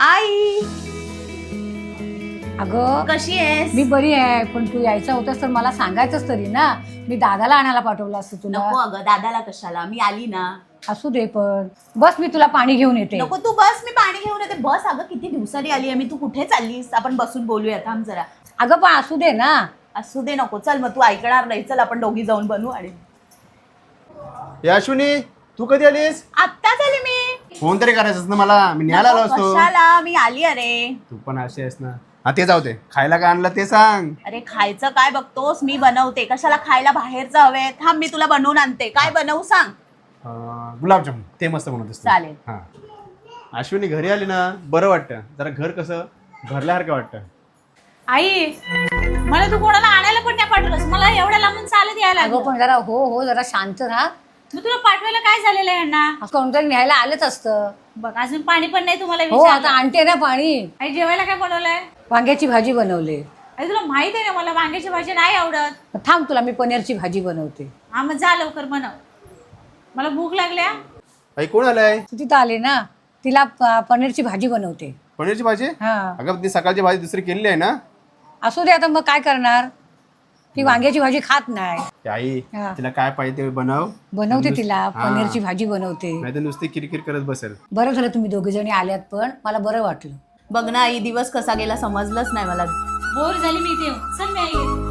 आई अगं कशी आहेस? मी बरी आहे, पण तू यायचं होतंस तर मला सांगायचंच तरी ना. मी दादाला आणायला पाठवलं असतं तुला. नको अगं, दादाला कशाला, मी आली ना. असू दे, पण बस मी तुला पाणी घेऊन येते. नको तू बस, मी पाणी घेऊन येते. बस अगं, किती दिवसांनी आली आहे मी. तू कुठे चाललीस? आपण बसून बोलूया, थांब जरा. अगं पण असू दे ना. असू दे, नको. चल मग, तू ऐकणार नाही. चल आपण दोघी जाऊन बनवू. आणि याशुनी, तू कधी आलीस? आत्ताच आली मी. फोन तरी करायचंस ना मला, मी न्यायला आलो नको, असतो. कशाला, मी आली. अरे तू पण अशी आहेस ना. हा ते जाऊ दे, खायला काय आणलं ते सांग. अरे खायचं काय बघतोस, मी बनवते. कशाला खायला बाहेरचं हवे? थांब, मी तुला बनवून आणते. काय बनवू सांग. गुलाबजामुन ते मस्त बनवतेस तू. चालेल. हा. अश्विनी घरी आली ना बरं वाटतं, जरा घर कसं भरल्यासारखं वाटतं. आई मला तू कोणाला आणायला पण नाही पाठवलंस. मला एवढ्या लांबून चालत यायला अगं लागलं. पण जरा हो जरा शांत राहा. मग तुला पाठवायला काय झालेलं आहे यांना? असं कोणतरी न्यायला आलंच असतं. बघ अजून पाणी पण नाही तुम्हाला हो विचारलं. आता आणते ना पाणी. आई जेवायला काय बनवलंय? वांग्याची भाजी बनवली. आई तुला माहित आहे ना मला वांग्याची भाजी नाही आवडत. थांब, तुला मी पनीरची भाजी बनवते. हा मग जा लवकर बनव, मला भूक लागल्या. आई कोण आलाय? तू तिथं आली ना, तिला पनीरची भाजी बनवते. पनीरची भाजी? हा अगं ती सकाळची भाजी दुसरी केलेली आहे ना. असू दे, आता मग काय करणार. ती वांग्याची भाजी खात नाही. ते आई हा. तिला काय पाहिजे ते बनव. बनवते तिला हा. पनीरची भाजी बनवते. नाही तर नुसती किरकिर करत बसेल. बरं झालं तुम्ही दोघे जणी आल्यात, पण मला बरं वाटलं. बघ ना आई, दिवस कसा गेला समजलंच नाही मला. बोर झाली मी इथे येऊन. चल मी आई येते.